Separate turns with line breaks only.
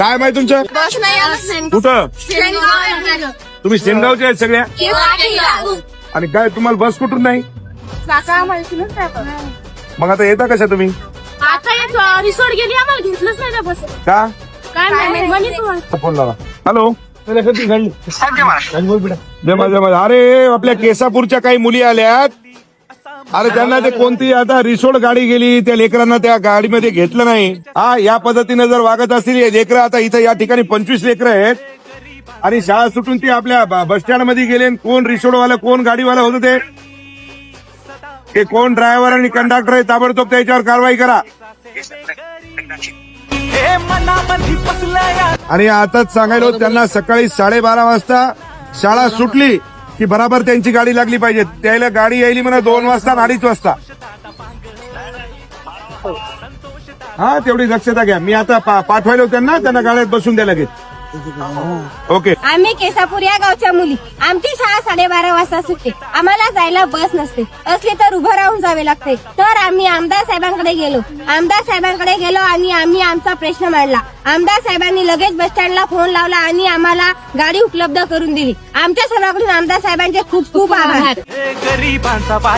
काय माहिती तुमचं?
बस नाही
कुठं? तुम्ही सेनगावचे आहेत सगळ्या? आणि काय तुम्हाला बस कुठून नाही?
काका माहितीच
मग आता येता कशा तुम्ही?
आता एक रिसोर्ट गेली आम्हाला घेतलंच नाही त्या बस.
का?
काय माहिती म्हणे तुम्हाला.
फोन लावा. हॅलो. जय माझ्या. अरे आपल्या केसापूरच्या काही मुली आल्यात. अरे त्यांना ते कोणती आता रिसोर्ट गाडी गेली, त्या लेकरांना त्या गाडीमध्ये घेतलं नाही. हा, या पद्धतीने जर वागत असतील हे लेकरं, आता इथं या ठिकाणी 25 लेकरं आहेत आणि शाळा सुटून ती आपल्या बस स्टँड मध्ये गेले. कोण रिसोर्टवाला कोण गाडीवाला होतं ते कोण ड्रायव्हर आणि कंडक्टर आहे, ताबडतोब त्याच्यावर कारवाई करा. आणि आताच सांगायला होतं त्यांना, सकाळी 12:30 वाजता शाळा सुटली की बराबर त्यांची गाडी लागली पाहिजे. त्याला गाडी यायली म्हणा 2 वाजता आणि 2:30 वाजता. हा, तेवढी दक्षता घ्या. मी आता पाठवायला त्यांना गाड्यात बसून द्या लगेच. ओके.
आम्ही केसापूर या गावच्या मुली. आमची शाळा 12:30 वाजता सुटते. आम्हाला जायला बस नसते, असली तर उभं राहून जावे लागते. तर आम्ही आमदार साहेबांकडे गेलो आणि आम्ही आमचा प्रश्न मांडला. आमदार साहेबांनी लगेच बस स्टँडला फोन लावला आणि आम्हाला गाडी उपलब्ध करून दिली. आमच्या सर्वांकडून आमदार साहेबांचे खूप खूप आभार.